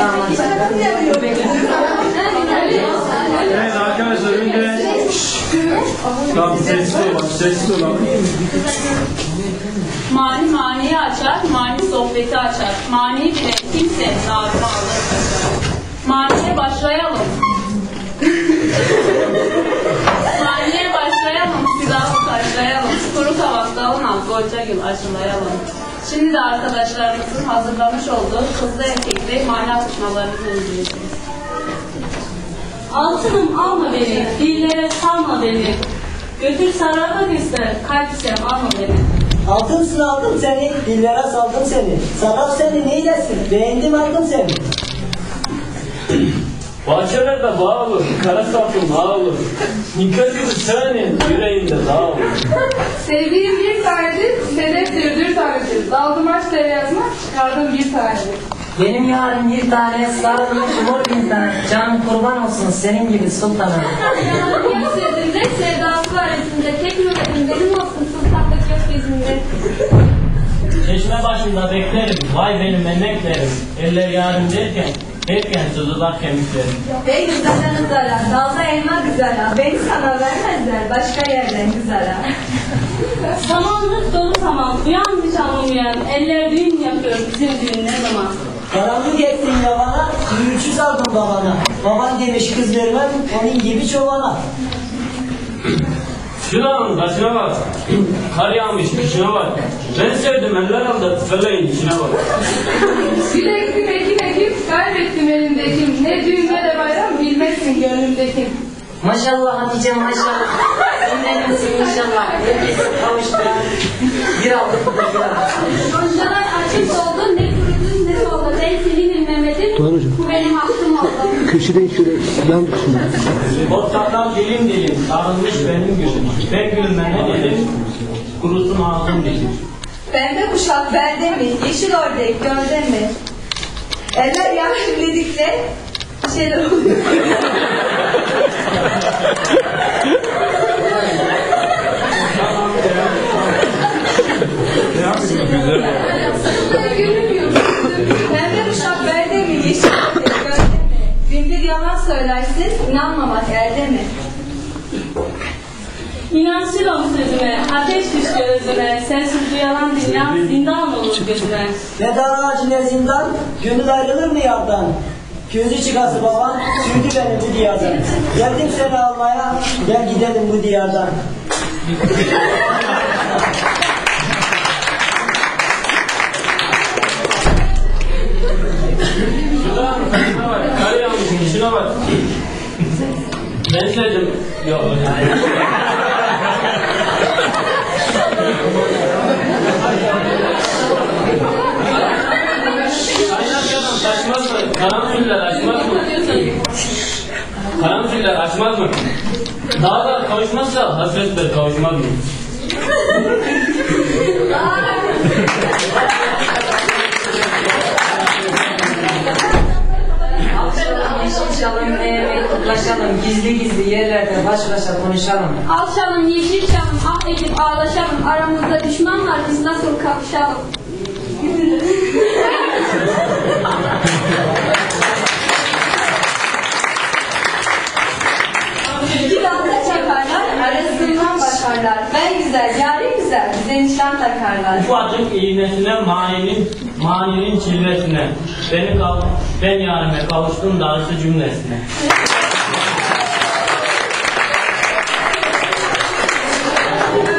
Evet arkadaşlar önce tamam sessiz olun. Mani maniyi açar, mani sohbeti açar. Maniyi bilen kimse narını alır. Maniye başlayalım. Maniye başlayalım, silahı taşlayalım. Kuru kavak dalın al, gonca gül aşılayalım. Şimdi de arkadaşlarımızın hazırlamış olduğu kızlı erkekli mani atışmalarını izleyeceğiz. Altınım alma beni, dillere salma beni. Götür sararmak ister, kalp ise alma beni. Altımsın aldım seni, dillere saldım seni. Sarap seni neylesin, beğendim aldım seni. Bahçelerde bağ olur, kara sapım ağ olur. Nikah gibi senin yüreğinde dağ olur. Sevdiğim bir tanedir, sedeftir, bir tanedir. Daldım aç yazmak, çıkardım bir tanedir. Benim yarım bir tane sarılmış mor bir tane. Canım kurban olsun senin gibi sultanım. Yüzlerinde sevdası var yüzünde. Tek nöbetim benim olsun sultanlık gökyüzünde. Çeşme başında beklerim, vay benim emeklerim. Eller yarım derken sızılar kemiklerim. Ey güzele güzele, dalda elma güzele. Beni sana vermezler, başka yerden güzele. Samanlık dolu saman, uyan canım uyan. Eller düğün yapıyor, bizim düğün ne zaman? Karanlık ettin yabana, yürüyüşü saldım babana. Baban demiş kız vermem, onun gibi çobana. Şuranın taşına bak, kar yağmış kışına bak. Ben sevdim eller aldı, feleğin içine bak. Bilektim ekim, kaybettim elimdeki. Ne düğün ne de bayram, bilmezsin gönlümdeki. Maşallah Hatice maşallah. Dinlenirsin inşallah. Herkes kavuşturan. Bir aldık bu da bir aldık. Goncalar açık oldu, ne kurudun ne soldu. Ben senin Mehmet'im, bu benim hakkım oldu. Köşeden şöyle yan tutsun. Botlardan dilim sarılmış benim gülüm. Ben gülmene dedim, kurusun ağzım dilim. Pembe kuşak belde mi, yeşil ördek gölde mi? Eller yarım dedikçe bir şeyler oluyor. Pembe kuşak belde mi, yeşil ördek gölde mi? Binbir yalan söylersin, inanmamak elde mi? İnansıyorum sözüme, ateş düştü özüme. Sensiz bu yalan dünya zindan olur gözüme. Ne dar ağacı ne zindan, gönül ayrılır mı yardan? Gözü çıkası baban, sürdü beni bu diyardan. Geldim seni almaya, gel gidelim bu diyardan. Şuranın taşına bak, kar yağmış kışına bak. Ben sevdim. Yok. Kaynarken taşmaz mı? Karanfiller açmaz mı? Karanfiller açmaz mı? Dağlar kavuşmazsa hasretler kavuşmaz mı? Yeşilçalım, kutlaşalım, gizli gizli yerlerde baş başa konuşalım. Alçalım, yeşil çalım, ah edip ağlaşalım. Aramızda düşman var, biz nasıl kapışalım? İki dalda çakarlar, arasından bakarlar. Ben güzel, yarim güzel, bize nişan takarlar. Ufacık iğnesine maninin çilvesine. Ben yarime kavuştum darısı cümlesine.